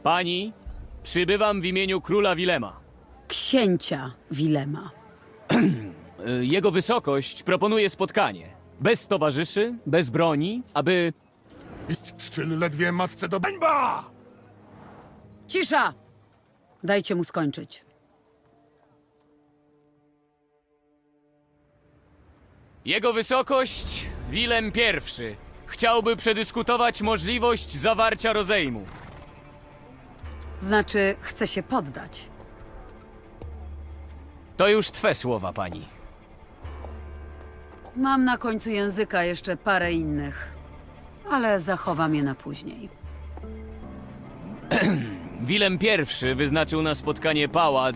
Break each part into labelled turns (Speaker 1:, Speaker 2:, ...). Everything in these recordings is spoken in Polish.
Speaker 1: Pani, przybywam w imieniu króla Wilema.
Speaker 2: Księcia Wilema.
Speaker 1: Jego wysokość proponuje spotkanie. Bez towarzyszy, bez broni, aby...
Speaker 3: Szczyl ledwie matce do bańba!
Speaker 2: Cisza! Dajcie mu skończyć.
Speaker 1: Jego wysokość, Wilem I, chciałby przedyskutować możliwość zawarcia rozejmu.
Speaker 2: Znaczy, chce się poddać.
Speaker 1: To już twe słowa, pani.
Speaker 2: Mam na końcu języka jeszcze parę innych, ale zachowam je na później.
Speaker 1: Wilem I wyznaczył na spotkanie pałac...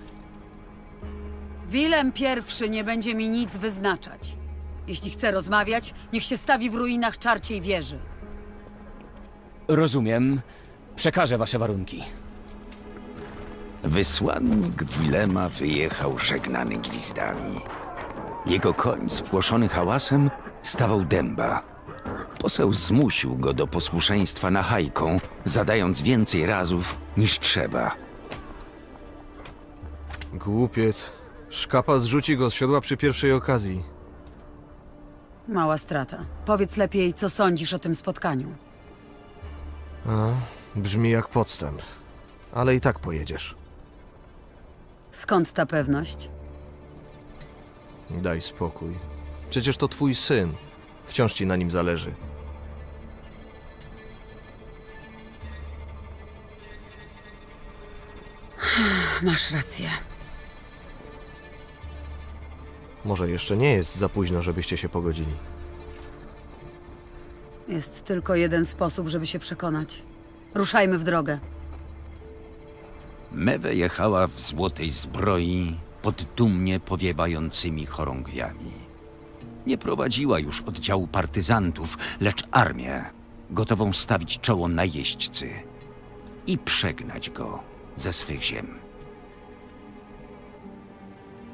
Speaker 2: Wilem I nie będzie mi nic wyznaczać. Jeśli chce rozmawiać, niech się stawi w ruinach czarciej wieży.
Speaker 1: Rozumiem. Przekażę wasze warunki.
Speaker 4: Wysłannik Wilema wyjechał żegnany gwizdami. Jego koń, spłoszony hałasem, stawał dęba. Poseł zmusił go do posłuszeństwa nachajką, zadając więcej razów niż trzeba.
Speaker 5: Głupiec. Szkapa zrzuci go z siodła przy pierwszej okazji.
Speaker 2: Mała strata. Powiedz lepiej, co sądzisz o tym spotkaniu.
Speaker 5: Brzmi jak podstęp. Ale i tak pojedziesz.
Speaker 2: Skąd ta pewność?
Speaker 5: Daj spokój. Przecież to twój syn. Wciąż ci na nim zależy.
Speaker 2: Masz rację.
Speaker 5: Może jeszcze nie jest za późno, żebyście się pogodzili.
Speaker 2: Jest tylko jeden sposób, żeby się przekonać. Ruszajmy w drogę.
Speaker 4: Mewe jechała w złotej zbroi pod dumnie powiewającymi chorągwiami. Nie prowadziła już oddziału partyzantów, lecz armię, gotową stawić czoło najeźdźcy i przegnać go ze swych ziem.